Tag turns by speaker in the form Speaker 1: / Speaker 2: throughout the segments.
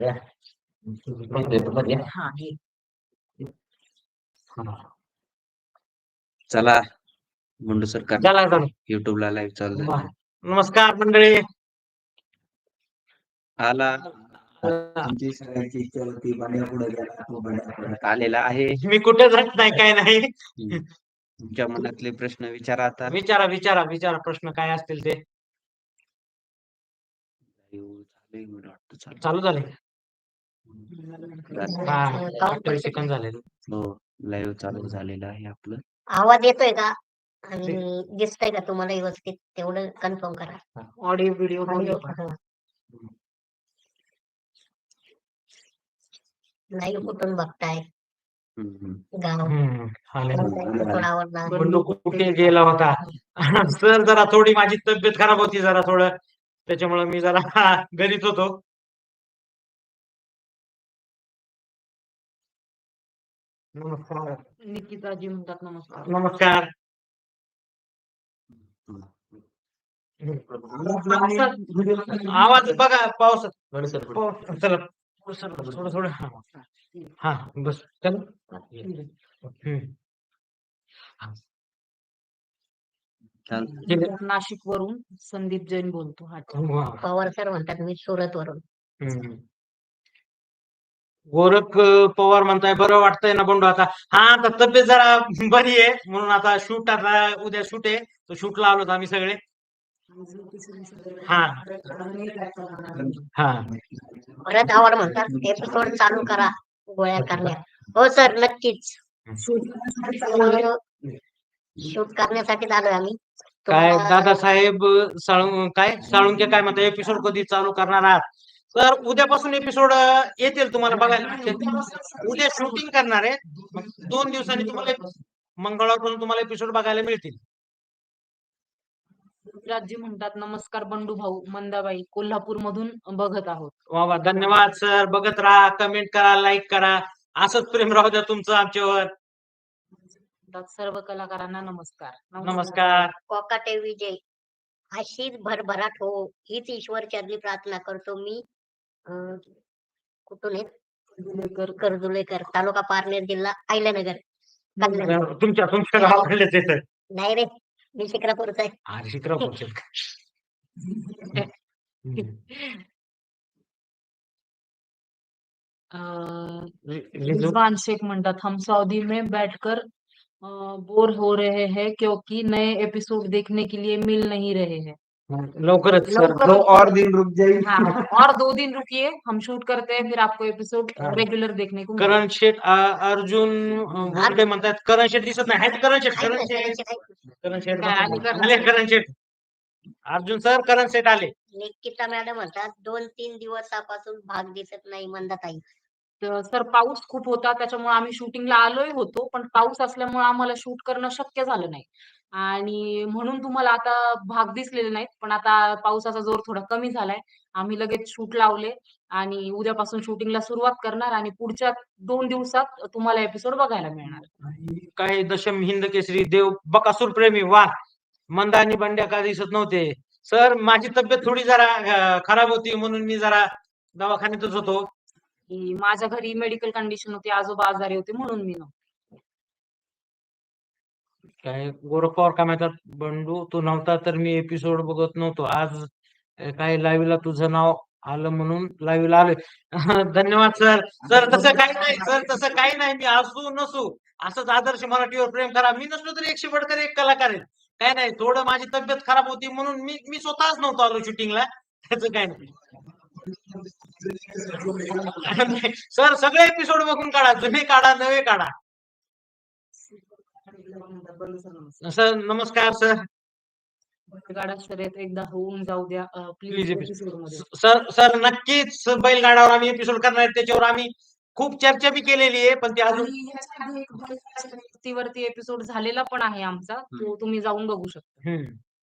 Speaker 1: हा
Speaker 2: चला मुंडू सरकार
Speaker 1: चला चला.
Speaker 2: युट्यूबला लाईव्ह चालू झालं.
Speaker 1: नमस्कार मंडळी.
Speaker 2: आला तुमची सगळ्यांची इच्छा होती बंड्या पुढे गेला तो बंड्या परत आलेला आहे.
Speaker 1: मी कुठे जात नाही, काय नाही.
Speaker 2: तुमच्या मनातले प्रश्न विचारा आता.
Speaker 1: विचारा विचारा विचारा, प्रश्न काय असतील ते. चालू झाले. हा 28 सेकंद झाले.
Speaker 2: हो लाईव्ह चालू झालेलं आहे आपलं.
Speaker 3: आवाज येतोय का आणि दिसतंय का तुम्हाला व्यवस्थित, तेवढं कन्फर्म करा.
Speaker 1: ऑडिओ व्हिडिओ
Speaker 3: लाईव्ह कुठून बघताय? गाव
Speaker 1: बंडू
Speaker 3: आवडला.
Speaker 1: कुठे गेला होता? सर जरा थोडी माझी तब्येत खराब होती, जरा थोडं त्याच्यामुळे मी जरा घरीच होतो. नमस्कार
Speaker 4: निकिताजी म्हणतात नमस्कार.
Speaker 1: नमस्कार. आवाज बघा पावसात. चला थोडं थोडं. हा बस चला.
Speaker 4: नाशिक वरून संदीप जैन बोलतो.
Speaker 3: पवार सर म्हणतात मी सुरत वरून.
Speaker 1: गोरख पवार म्हणताय बरं वाटतंय ना बंडू आता? हा आता तब्येत जरा बरी आहे, म्हणून आता शूट, आता उद्या शूट आहे, तो शूटला आलोत आम्ही सगळे. हा हा
Speaker 3: परत आवड म्हणतात एपिसोड चालू करा गोळ्या करण्यात. हो सर नक्कीच. शूट करण्यासाठी आलोय आम्ही.
Speaker 1: काय दादासाहेब साळुंके काय म्हणतात, एपिसोड कधी चालू करणार आहात? तर उद्यापासून एपिसोड येतील तुम्हाला बघायला. उद्या शूटिंग करणार आहे, मग 2 दिवसांनी तुम्हाला मंगळवारपासून तुम्हाला एपिसोड बघायला मिळतील.
Speaker 4: राजी म्हणतात नमस्कार बंडू भाऊ, मंदाबाई कोल्हापूर मधून बघत आहोत.
Speaker 1: वा वा, धन्यवाद सर. बघत राहा, कमेंट करा, लाईक करा, असंच प्रेम राहू द्या तुमचं आमच्यावर.
Speaker 4: सर्व कलाकारांना नमस्कार.
Speaker 1: नमस्कार.
Speaker 3: कोकाटे विजय अशीच भरभराट हो हीच ईश्वर चरणी प्रार्थना करतो मी. कुठून आहे? कर्जुलेकर, तालुका पारनेर, जिल्हा अहिल्यानगर.
Speaker 1: तुमच्या गावाकडलेच आहे सर?
Speaker 3: नाही रे, मी शिक्रापूरचा आहे.
Speaker 1: हा शिक्रापूरचे.
Speaker 4: रिजवान शेख म्हणतात हम सऊदी में बैठकर बोर हो रहे हैं क्योंकि नए एपिसोड देखने के लिए मिल नहीं रहे हैं.
Speaker 1: लवकरच सर,
Speaker 2: दो और दिन रुक जाइए.
Speaker 4: हाँ, और 2 दिन रुकिए, हम शूट करते हैं, फिर आपको एपिसोड रेगुलर देखने को
Speaker 1: करण शेठ अर्जुन भोंडे म्हणतात. करण शेठ दिसत नाही. आहेत करण शेठ? करण शेठ अर्जुन सर, करण शेठ आले.
Speaker 3: निकिता मॅडम म्हणतात 2-3 दिवसापासून भाग दिसत नाही मंदाताई.
Speaker 4: सर पाऊस खूप होता, त्याच्यामुळे आम्ही शूटिंगला आलोय होतो, पण पाऊस असल्यामुळे आम्हाला शूट करणं शक्य झालं नाही आणि म्हणून तुम्हाला आता भाग दिसलेले नाहीत. पण आता पावसाचा जोर थोडा कमी झालाय, आम्ही लगेच शूट लावले आणि उद्यापासून शूटिंगला सुरुवात करणार आणि पुढच्या 2 दिवसात तुम्हाला एपिसोड बघायला मिळणार.
Speaker 1: काय दशम हिंद केसरी देव बकासूर प्रेमी, वा. मंदा आणि बंड्या का दिसत नव्हते? सर माझी तब्येत थोडी जरा खराब होती, म्हणून मी जरा दवाखान्यातच होतो.
Speaker 4: माझ्या घरी मेडिकल कंडिशन होती, आजोबा आजारी होते म्हणून मी नव्हते.
Speaker 1: काय गोरख पवार काय म्हणतात, बंडू तू नव्हता तर मी एपिसोड बघत नव्हतो, आज काय लाईव्हला तुझं नाव आलं म्हणून लाईव्हला आलोय. धन्यवाद सर. सर तसं काही नाही सर, तसं काही नाही. मी असू नसू असंच आदर्श मराठीवर प्रेम करा. मी नसलो तरी 100 बडकर 1 कलाकार आहे. काय नाही, थोडं माझी तब्येत खराब होती म्हणून मी स्वतःच नव्हतो आलो शूटिंगला, त्याचं काय नाही. सर सगळे एपिसोड बघून काढा, जुने काढा, नवे काढा. सर नमस्कार सर.
Speaker 4: बैलगाडा शर्यत एकदा होऊन जाऊ द्या प्लीज एपिसोड मध्ये.
Speaker 1: सर नक्कीच बैलगाड्यावर आम्ही एपिसोड करणार आहे, त्याच्यावर आम्ही खूप चर्चा बी केलेली आहे, पण ते
Speaker 4: अजून वरती एपिसोड झालेला पण आहे आमचा, तो तुम्ही जाऊन बघू शकता.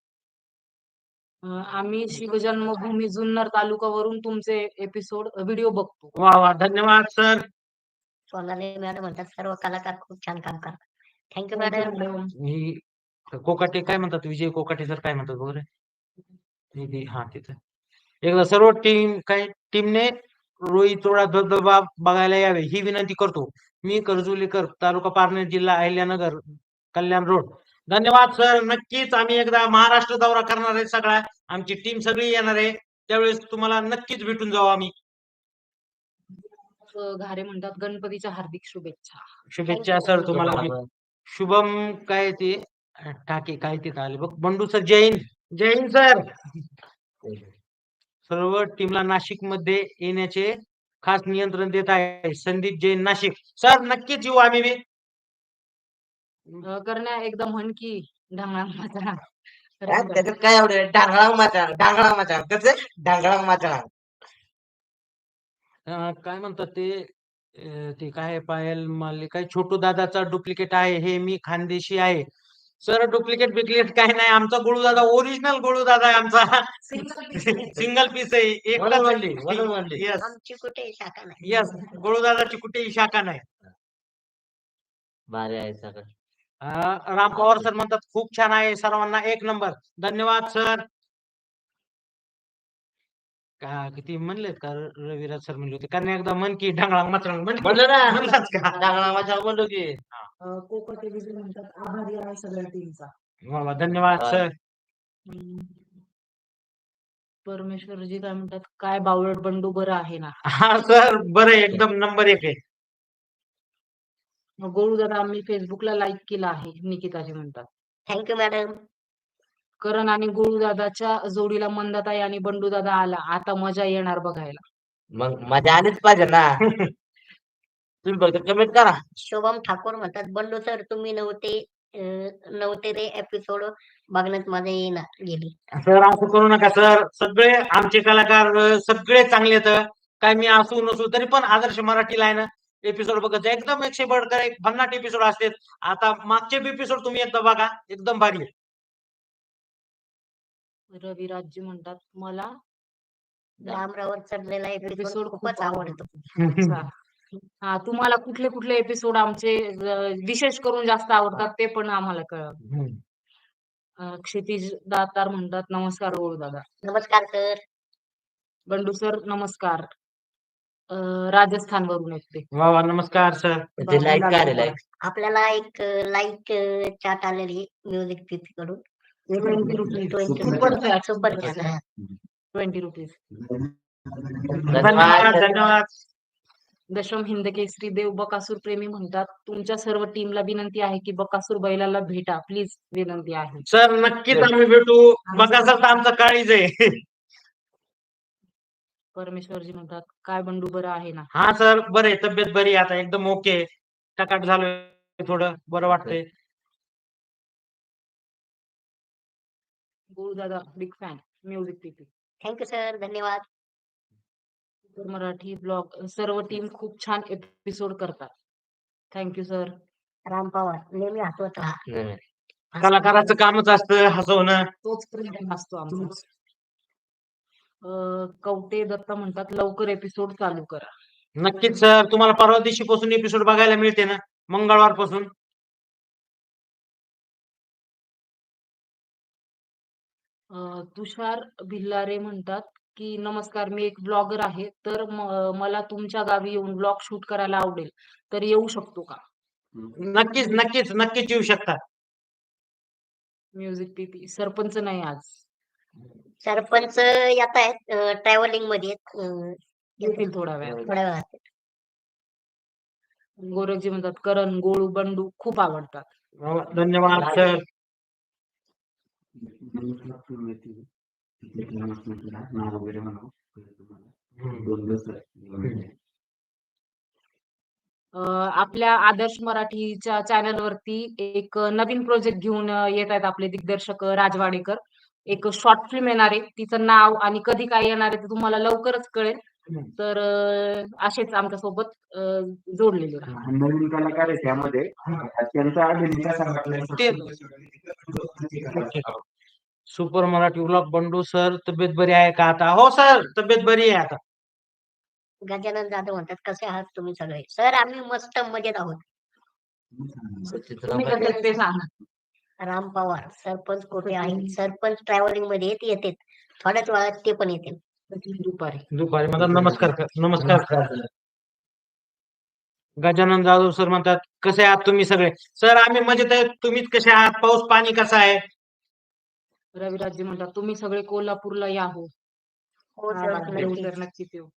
Speaker 4: आम्ही शिवजन्मभूमी जुन्नर तालुकावरून तुमचे एपिसोड व्हिडिओ बघतो.
Speaker 1: वा वा, धन्यवाद सर.
Speaker 3: सोनाली मॅडम म्हणतात सर्व कलाकार खूप छान काम करतात. Thank you madam.
Speaker 1: कोकाटे काय म्हणतात, विजय कोकाटे सर काय म्हणतात वगैरे. हा तिथं एकदा सर्व टीमने रोईचोळा धबधबा बघायला यावे ही विनंती करतो. मी कर्जुलीकर, तालुका पारनेर, जिल्हा अहिल्यानगर, कल्याण रोड. धन्यवाद सर. नक्कीच आम्ही एकदा महाराष्ट्र दौरा करणार आहे. सगळा आमची टीम सगळी येणार आहे. त्यावेळेस तुम्हाला नक्कीच भेटून जाऊ आम्ही.
Speaker 4: घारे म्हणतात गणपतीच्या हार्दिक शुभेच्छा.
Speaker 1: शुभेच्छा सर तुम्हाला. शुभम काय ते टाके काय ते आले बघ. बंडू सर जय हिंद. जय हिंद सर. सर्व टीमला नाशिक मध्ये येण्याचे खास नियंत्रण देत आहे संदीप जैन, नाशिक. सर नक्कीच येऊ आम्ही बी.
Speaker 4: करण्या एकदा म्हण की ढांगळा माझा.
Speaker 2: त्याच्यात काय एवढं डांगळा माझा कसं डांगळा माझा.
Speaker 1: काय म्हणतात ते ते काय पायल माले काय छोटू दादाचा डुप्लिकेट आहे हे मी खानदेशी आहे. सर डुप्लिकेट बिप्लिकेट काही नाही. आमचा गोळू दादा ओरिजिनल गोळू दादा आहे आमचा. सिंगल पीस आहे. एकच.
Speaker 3: आमची कुठे शाखा नाही.
Speaker 1: यस गोळू दादाची कुठेही शाखा नाही.
Speaker 2: भारी आहे सगळं.
Speaker 1: राम पवार सर म्हणतात खूप छान आहे. सर्वांना एक नंबर. धन्यवाद सर. का किती म्हणलेत का रविराज सर म्हणले होते कारण एकदा मन की ढांगळा मचळा
Speaker 2: म्हणलं ना
Speaker 1: म्हणलाच का?
Speaker 2: डांगळा माझा बोललो की.
Speaker 4: कोकटे विजय म्हणतात आभारी आहे सगळ्या टीमचा.
Speaker 1: वा, धन्यवाद सर.
Speaker 4: परमेश्वरजी काय म्हणतात काय बावळट बंडू बरं आहे ना.
Speaker 1: हा सर बरं आहे, एकदम नंबर 1 आहे.
Speaker 4: गोळू दादा आम्ही फेसबुकला लाईक केला आहे निकिताजी म्हणतात.
Speaker 3: Thank you madam.
Speaker 4: करण आणि गोळू दादाच्या जोडीला मंदाताई आणि बंडू दादा आला. आता मजा येणार बघायला.
Speaker 2: मग मजा आलीच पाहिजे ना. तुम्ही फक्त कमेंट करा.
Speaker 3: शुभम ठाकूर म्हणतात बंडू सर तुम्ही नव्हते रे एपिसोड बघण्यात मजा येणार गेली.
Speaker 1: सर असं करू नका सर. सगळे आमचे कलाकार सगळे चांगले आहेत. काय मी असू नसू तरी पण आदर्श मराठीला आहे ना एपिसोड बघत जा. एकदम 100 बढकर एक 50 एपिसोड असतात. आता मागचे एपिसोड तुम्ही एकदा बघा एकदम भारी आहे.
Speaker 4: रविराजजी म्हणतात मला
Speaker 3: डांबरावर चढलेला एपिसोड
Speaker 4: एपिसोड
Speaker 3: खूपच आवडतो.
Speaker 4: अच्छा. हा तुम्हाला कुठले कुठले एपिसोड आमचे विशेष करून जास्त आवडतात ते पण आम्हाला कळव. क्षितिज दातार म्हणतात नमस्कार गोळू दादा.
Speaker 3: नमस्कार सर.
Speaker 4: बंडू सर नमस्कार. राजस्थान वरून येते.
Speaker 1: वा वा नमस्कार सर.
Speaker 2: ते लाईक करा लाईक.
Speaker 3: आपल्याला एक लाईक चाट आलेली म्युझिक पीपी कडून
Speaker 4: 20 रुपीज.
Speaker 3: 20 super chat.
Speaker 4: 20 रुपीज.
Speaker 1: धन्यवाद धन्यवाद.
Speaker 4: दशम हिंद केसरी देव बकासूर प्रेमी म्हणतात तुमच्या सर्व टीमला विनंती आहे की बकासूर बैलाला भेटा प्लीज. विनंती आहे
Speaker 1: सर नक्कीच आम्ही भेटू. बघा सर आमचा काळीज आहे.
Speaker 4: परमेश्वरजी म्हणतात काय बंडू बरं आहे ना.
Speaker 1: हा सर बरे तब्येत बरी आहे आता एकदम ओके. टकाट झालोय थोडं बरं वाटतंय.
Speaker 4: गोळू दादा बिग फॅन म्युझिक पीपी.
Speaker 3: Thank you sir. धन्यवाद.
Speaker 4: मराठी ब्लॉग सर्व टीम खूप छान एपिसोड करतात. Thank you sir.
Speaker 3: राम पवार नेहमी हसवत राहा.
Speaker 1: कलाकाराचं कामच असतं हसवणं.
Speaker 4: तोच प्रेम असतो आमचा. कवटे दत्ता म्हणतात लवकर एपिसोड चालू करा.
Speaker 1: नक्कीच सर. तुम्हाला परवा दिवशी पासून एपिसोड बघायला मिळते ना मंगळवार पासून.
Speaker 4: तुषार भिल्लारे म्हणतात की नमस्कार मी एक ब्लॉगर आहे तर मला तुमच्या गावी येऊन ब्लॉग शूट करायला आवडेल तर येऊ शकतो का.
Speaker 1: नक्कीच नक्कीच नक्कीच येऊ शकता.
Speaker 4: म्युझिक पीपी. सरपंच नाही आज.
Speaker 3: सरपंच येत आहेत ट्रॅव्हलिंग मध्ये
Speaker 4: येतील थोड्या वेळात.
Speaker 3: थोड्या वेळात.
Speaker 4: गोरखजी म्हणतात करण गोळू बंडू खूप आवडतात.
Speaker 1: धन्यवाद सर.
Speaker 4: आपल्या आदर्श मराठीच्या चॅनल वरती एक नवीन प्रोजेक्ट घेऊन येत आहेत आपले दिग्दर्शक राजवाडेकर. एक शॉर्ट फिल्म येणार आहे. तिचं नाव आणि कधी काय येणार आहे ते तुम्हाला लवकरच कळेल. तर असेच आमच्या सोबत जोडलेले राहा.
Speaker 2: नवीन कलाकार आहे त्यामध्ये त्यांचा अभिनय
Speaker 1: super Marathi blog. Bandu sir तब्येत बरी आहे का आता. हो सर तब्येत बरी आहे आता.
Speaker 3: गजानन जाधव म्हणतात कसे आहात तुम्ही सगळे. सर आम्ही मस्त मजेत आहोत.
Speaker 4: तुम्ही कसे आहेत ते सांगा.
Speaker 3: राम पवार सरपंच कुठे आहे. सरपंच ट्रॅव्हलिंग मध्ये येते थोड्याच वेळात ते पण येतील.
Speaker 4: दुपारी.
Speaker 1: दुपारी म्हणतात नमस्कार नमस्कार करा. गजानन जाधव सर म्हणतात कसे आहात तुम्ही सगळे? सर आम्ही मजेत आहे, तुम्हीच कसे आहात? पाऊस पाणी कसं आहे?
Speaker 4: रविराजजी म्हणतात तुम्ही सगळे कोल्हापूरला या हो.
Speaker 3: हो
Speaker 4: हा,
Speaker 3: सर
Speaker 4: येऊ
Speaker 3: नक्की.
Speaker 4: तर नक्कीच येऊ.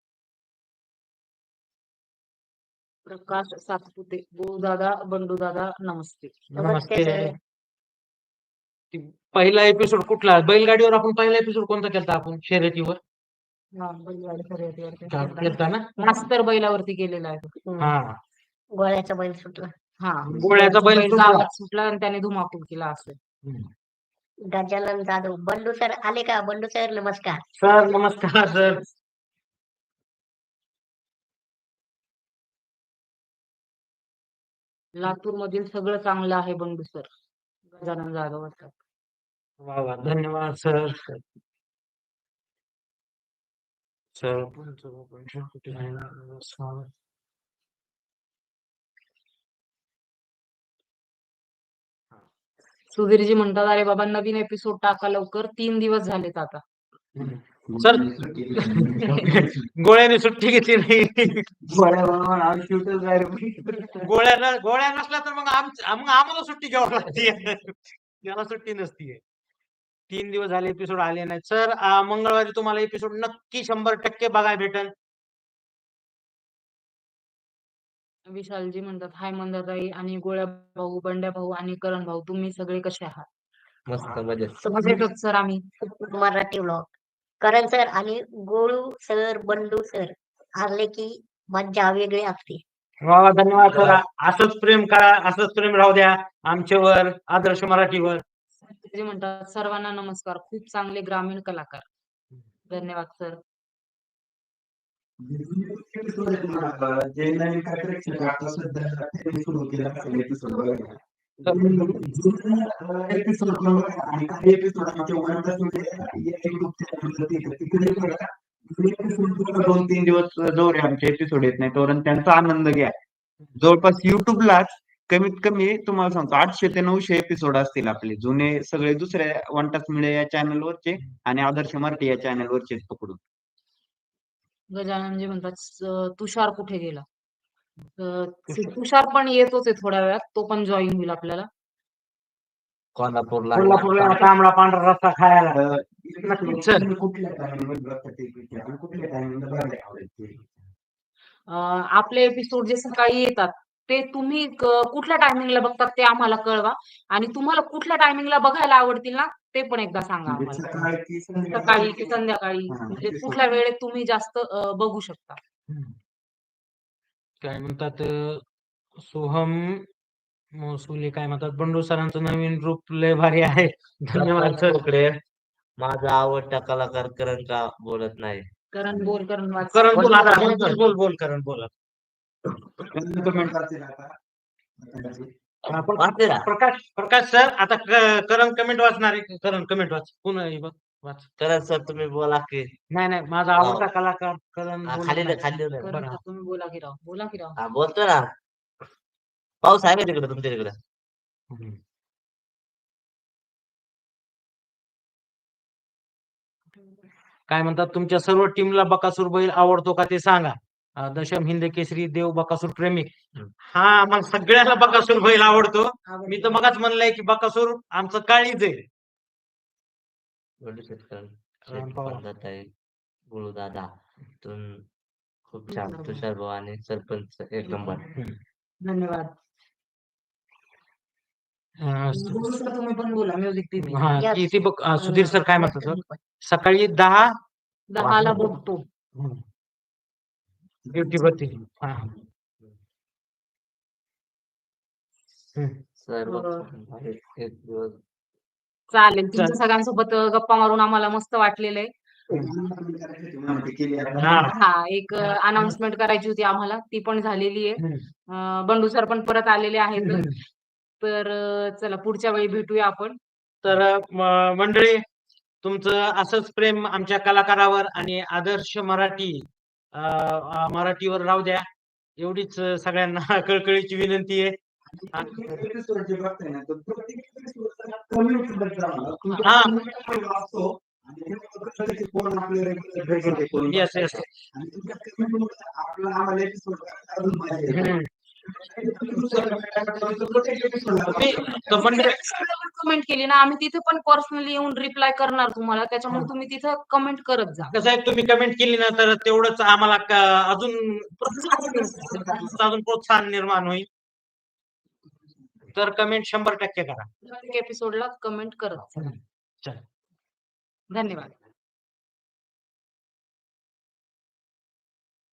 Speaker 4: प्रकाश सातपुते, दादा, बंडू दादा, नमस्ते.
Speaker 3: नमस्ते सर.
Speaker 1: पहिला एपिसोड कुठला? बैलगाडीवर आपण पहिला एपिसोड कोणता केलता आपण शर्यतीवर?
Speaker 4: हा, बैलगाडी शर्यतीवरती.
Speaker 1: केलता ना?
Speaker 4: मास्तर बैलावरती केलेला आहे तो.
Speaker 1: हा.
Speaker 3: गोळ्याचा बैल सुटला.
Speaker 4: हा,
Speaker 1: गोळ्याचा बैल सुटला.
Speaker 4: गावात सुटला आणि त्याने धुमाकूळ केला असं.
Speaker 3: गजानन जाधव, बंडू सर आले का? बंडू सर नमस्कार.
Speaker 1: सर नमस्कार सर.
Speaker 4: लातूर मधील सगळं चांगलं आहे बंडू सर. गजानन जाधव म्हणतात.
Speaker 1: वा वा, धन्यवाद सर. सर
Speaker 4: सुधीरजी म्हणतात अरे बाबा नवीन एपिसोड टाका लवकर, 3 दिवस झालेत आता.
Speaker 1: सर गोळ्याने सुट्टी घेतली नाही. गोळ्या नसल्या तर मग आम्हाला सुट्टी घ्यावी लागते. त्याला सुट्टी नसतीये. 3 दिवस झाले एपिसोड आले नाहीत. सर मंगळवारी तुम्हाला एपिसोड नक्की 100% बघायला भेटेल.
Speaker 4: विशालजी म्हणतात हाय मंदाताई आणि गोळ्या भाऊ, बंड्या भाऊ आणि करण भाऊ, तुम्ही सगळे कसे आहात?
Speaker 2: मस्त मजेत.
Speaker 4: मजेत सर आम्ही.
Speaker 3: मराठी व्लॉग. करण सर आणि गोळू सर, बंडू सर आले की मज्जा वेगळी असते.
Speaker 1: वा वा, धन्यवाद सर. असंच प्रेम करा, असंच प्रेम राहू द्या आमच्यावर, आदर्श मराठीवर.
Speaker 4: जे म्हणतात सर्वांना नमस्कार, खूप चांगले ग्रामीण कलाकार. धन्यवाद सर.
Speaker 2: जे नवीन काय प्रेक्षक आता सध्या सुरू केलं असेल एपिसोड बघायला. एपिसोड आणि काही एपिसोड आमच्या YouTube चॅनलवरती येतात. तिकडे बघा. 2-3 दिवस जोर आहे आमचे एपिसोड येत नाही तोरण त्यांचा आनंद घ्या. जवळपास युट्यूबलाच कमीत कमी तुम्हाला सांगतो 800 ते 900 एपिसोड असतील आपले जुने सगळे दुसऱ्या वन टाच मिळे या चॅनलवरचे आणि आदर्श मराठी या चॅनलवरचे पकडून.
Speaker 4: गजाननजी म्हणतात तुषार कुठे गेला? तुषार पण येतोच आहे थोड्या वेळात, तो पण जॉईन होईल आपल्याला.
Speaker 2: कोल्हापूरला
Speaker 1: तांबडा पांढरा रस्ता खायला.
Speaker 2: सर कुठल्या टायमिंग कुठल्या टायमिंगला बघायला आवडेल?
Speaker 4: आपले एपिसोड जे सकाळी येतात ते तुम्ही कुठल्या टायमिंगला बघतात ते आम्हाला कळवा आणि तुम्हाला कुठल्या टायमिंगला बघायला आवडतील ना ते पण एकदा सांगा आम्हाला. सकाळी की संध्याकाळी म्हणजे कुठल्या वेळेत तुम्ही जास्त बघू शकता.
Speaker 1: काय म्हणतात सोहम मोसुले काय म्हणतात बंडू सरांचं नवीन रूप लय भारी आहे. धन्यवाद सर.
Speaker 2: माझा आवडता कलाकार करण का बोलत नाही?
Speaker 4: करण बोल, करण वाच.
Speaker 1: करण बोल आता. बोल करण बोल. प्रकाश सर आता करण कमेंट वाचणार आहे. करण कमेंट वाच. पुन्हा बघ वाच.
Speaker 2: करण सर तुम्ही बोला की.
Speaker 1: नाही माझा आवडता कलाकार करण.
Speaker 2: खाली
Speaker 4: करण सर, तुम्ही बोला की राव.
Speaker 2: बोलतो ना. पाऊस आहे का तिकडे तुमच्या तिकडे?
Speaker 1: काय म्हणतात तुमच्या सर्व टीमला बकासूर बैल आवडतो का ते सांगा. दशम हिंद केसरी देव बकासूर प्रेमी. हा आम्हाला सगळ्याला बकासूर बैल आवडतो. मी तर मगाच म्हणलंय की बकासूर आमचं काळीच आहे.
Speaker 2: गुरु दादा खूप छान. तुषार भाऊ आणि सरपंच एक नंबर.
Speaker 4: धन्यवाद. तुम्ही पण बोला म्युझिक टीव्ही.
Speaker 1: हा किती बघ सुधीर सर काय म्हणतात सर? सकाळी 10:10
Speaker 4: बघतो.
Speaker 1: ड्युटी वरती.
Speaker 4: चालेल. तुमच्या सगळ्यांसोबत गप्पा मारून आम्हाला मस्त वाटलेलं आहे. हा एक अनाउन्समेंट करायची होती आम्हाला, ती पण झालेली आहे. बंडू सर पण परत आलेले आहेत. तर चला पुढच्या वेळी भेटूया आपण.
Speaker 1: तर मंडळी तुमचं असंच प्रेम आमच्या कलाकारावर आणि आदर्श मराठीवर राहू द्या एवढीच सगळ्यांना कळकळीची विनंती आहे.
Speaker 2: आणि कळतं की कोण आपले रेग्युलर भेटत आहे, कोण
Speaker 1: येस येस
Speaker 2: आणि तुमच्या कमेंटमुळे आपल्याला आम्हाला एपिसोड अजून मजा येते.
Speaker 4: कमेंट केली ना आम्ही तिथे पण पर्सनली येऊन रिप्लाय करणार तुम्हाला, त्याच्यामुळे तुम्ही तिथं कमेंट करत जा.
Speaker 1: कसं आहे तुम्ही कमेंट केली ना तर तेवढंच आम्हाला अजून प्रोत्साहन निर्माण होईल. तर कमेंट 100% करा.
Speaker 4: प्रत्येक एपिसोडला कमेंट करत जा.
Speaker 1: चला.
Speaker 4: धन्यवाद.